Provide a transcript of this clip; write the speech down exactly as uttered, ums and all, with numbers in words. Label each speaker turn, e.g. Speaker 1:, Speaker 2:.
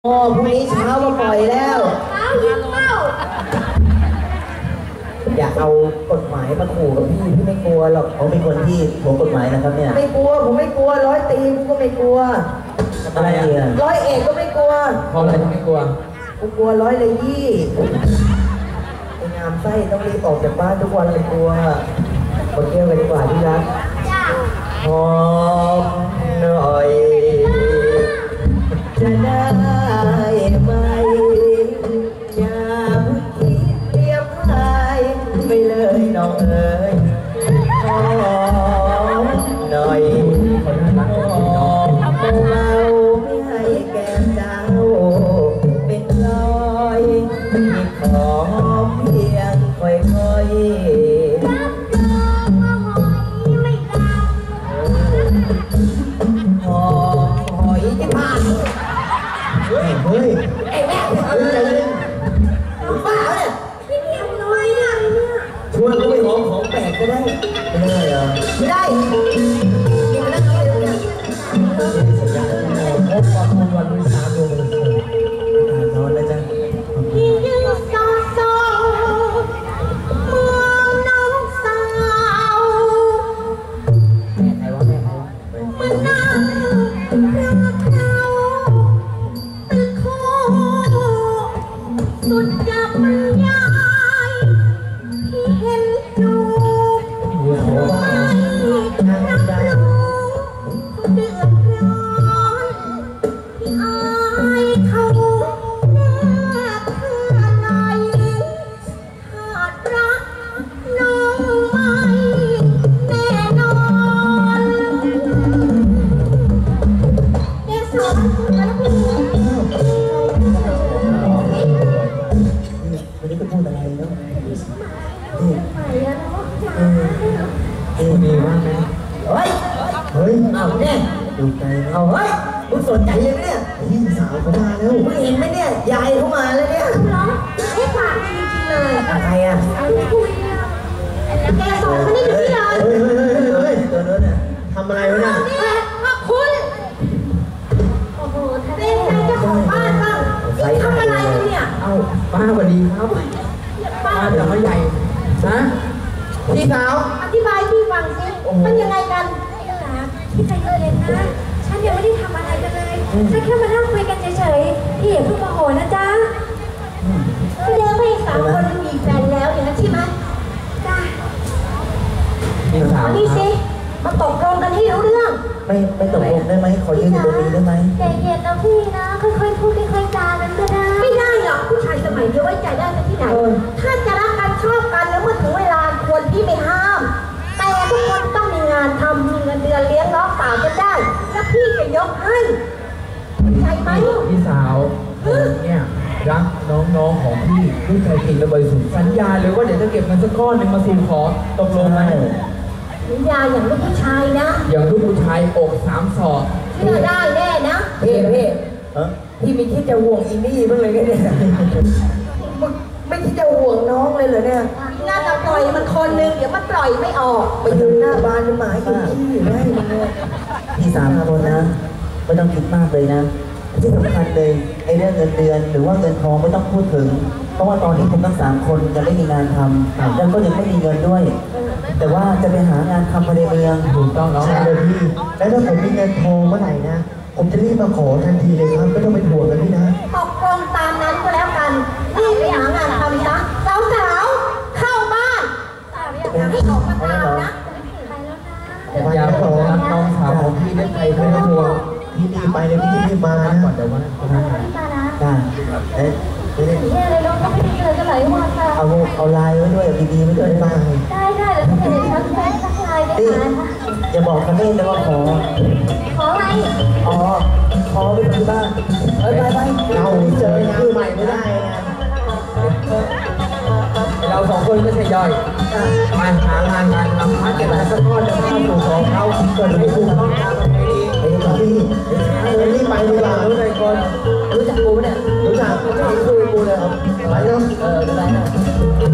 Speaker 1: โอ้พรุ่งนี้เช้ามาปล่อยแล้ว
Speaker 2: เช้ายิงเป้า
Speaker 1: อย่าเอากฎหมายมาขู่กับพี่พี่ไม่กลัวหรอกเขาเป็นคนที่หัวกฎหมายนะครับเนี่ยไม่กลัวผมไม่กลัวร้อยตีผมก็ไม่กลัวอะไรอ่ะร้อยเอกก็ไม่กลัว
Speaker 3: เพราะอะไรถึงไม่กลัว
Speaker 1: กูกลัวร้อยเลยยี่ไอ้งามไส้ต้องรีบออกจากบ้านทุกวันเลยกลัวไปเที่ยวกันดีกว่าที่รักหอมหน่อยจะได้ไหมอย่าคิดเรียบพายไปเลยน้องเอ๋ยหอมหน่อยหอมเบาไม่ให้แก้มเจ้าเป็นรอยมีของเพียงค่อยๆเฮ้ยไอ้แม่เอาอะไรเลยบ้าเนี่ยพี่เพียงน้อยนะชวนเขาไปหอมของแปลกก็ได้ไม่ได้เหรอไม่ได้กินแล้วเขาไปดูเนี่ยพบความมุ่งวันที่สามโมงนอนแล้วจ้ะ
Speaker 2: พี่ยืนซอซอมองน้องสาว
Speaker 1: แม่ใครวะแม่ใครวะ
Speaker 2: มันนั่งรักเราสุดจะบรรยายที่เห็นดูไม่รับรู้เดือดร้อนที่อายเขาแน่แค่ไหนขาดรักน้องไม่แน่นอนเกสรแล้วพี่
Speaker 1: วันนี้ก็พูดอะไรเนาะเออเออดีมากไหมเฮ้ยเฮ้ยเอาเนี่ยดูใจเอาเฮ้ยคุณสนใจยังเนี่ยพี่สาวเขามาแล้วคุณเห็นไหมเนี่ยยายเขามาแล้วเนี่ย
Speaker 2: เหรอไอ้ฝากจริงๆเลย
Speaker 1: อะไรอ่ะ
Speaker 2: คุยแกสอนเขาได้ที่เรา
Speaker 1: เฮ้ยเฮ้ยเฮ้ยตัวนู้นเนี่ยทำอะไรวะเนี่ย
Speaker 2: คุณโอ้โหเป็นใครเจ้าของบ้านบ้างทำอะไรเนี่ย
Speaker 3: เอ้าป้าสวัสดีครับป้าแต่ไม่ใหญ่นะพี่สาว
Speaker 2: อธิบายพี่ฟังสิมันยังไงกันพี่ใจเย็นนะฉันยังไม่ได้ทำอะไรกันเลยฉันแค่มานั่งคุยกันเฉยๆพี่อย่าเพิ่งโมโหนะจ๊ะพี่เลี้ยงไปสามคนมีแฟนแล้วอย่างนั้นใช่ไหมจ้าอันนี้สิมาตกลงกันให้รู้เรื่อง
Speaker 1: ไม่ไม่ตกลงได้ไหมขอยืนอยู่ตรงนี้ได้ไหม
Speaker 2: ใจเย็นนะพี่นะค่อยๆพูดค่อยๆจานั้นก็ได้ไม่ได้หรอกผู้ชายสมัยนี้ไว้ใจได้ที่ไหนถ้าจะรักกันชอบกันแล้วเมื่อถึงเวลาควรพี่ไม่ห้ามแต่ทุกคนต้องมีงานทำมีเงินเดือนเลี้ยงน้องสาวกันได้แล้วพี่จะยกให้ใจไหม
Speaker 3: พี่สาวเนี่ยรักน้องๆของพี่ด้วยใจจริงและบริสุทธิ์สัญญาเลยว่าเดี๋ยวจะเก็บเงินสักก้อนหนึ่งมาสู่ขอตกลงไหม
Speaker 2: สัญญาอย่างลูกผู้ชายนะ
Speaker 3: อย่างลูกผู้ชายอกสามศอก
Speaker 2: เชื่อได้แน่นะ
Speaker 1: เพ่เพ่พี่ไม่คิดจะห่วงอีนี่บ้างเลยกันเนี่ยไม่คิดจะห่วงน้องเลยเหรอเนี่ย
Speaker 2: น่าจะปล่อยมันคนนึงเดี๋ยวมันปล่อยไม่ออก
Speaker 1: ไปยืนหน้าบ้านหมาอยู่ที่อยู่ได้เลยพี่สามคนนะไม่ต้องคิดมากเลยนะที่สำคัญเลยไอ้เรื่องเงินเดือนหรือว่าเงินทองไม่ต้องพูดถึงเพราะว่าตอนนี้ผมทั้งสามคนจะไม่มีงานทำแล้วก็ยังไม่มีเงินด้วยแต่ว่าจะไปหางานทำภายในเมือง
Speaker 3: ถูกต้องน้อง
Speaker 1: เลยพี่แล้วถ้าผมมีเงินทองเมื่อไหร่นะผมจะรีบมาขอทันทีเลยครับไม่ต้องไปห่วงกันพี่นะ
Speaker 2: ตกลงตามนั้นก็แล้วกันรีบไปหางานทำซะสาวสาวเข้าบ้านให้ออกมาตามนะ
Speaker 3: อยากขอรักน้องสาวของพี่ได้ใจไม่ต้องห่วง
Speaker 1: พี่รีบไปเลยพี่รีบมานะ
Speaker 3: ก่อนแต่ว่า
Speaker 1: ได้เอ๊ะ
Speaker 2: เนี่ยเลยน้องก็ไม่ได้เจอกันหลายวันค่ะ
Speaker 1: เอาเอาลายไว้ด้วยดีๆไว้ด้วยบ้าง
Speaker 2: ได้ได้แล้วถ้าเกิดฉันแฟนสักลายไปหา
Speaker 1: อย่าบอกคาเฟ่แต่ว่าขอ
Speaker 2: ขออะไร
Speaker 1: อ๋อขอไปที่บ้านเอ้ยไปไปเราเจอชื่อใหม่ไม่ได้นะ
Speaker 3: เราสองคนก็ใช่ย่อยมาหางานงานทำมาเก็บเงินสักก้อนจะเข้าสู่ของเขาเกิดไม่ถูกต้องตามประเพณี
Speaker 1: ไอ้พี่รีบไปดีกว่า
Speaker 3: รู้ใจคน
Speaker 1: รู้จักกูเนี่ยรู้จักรู้จักคุยกูเลยไปเนาะ
Speaker 3: เออได้นะ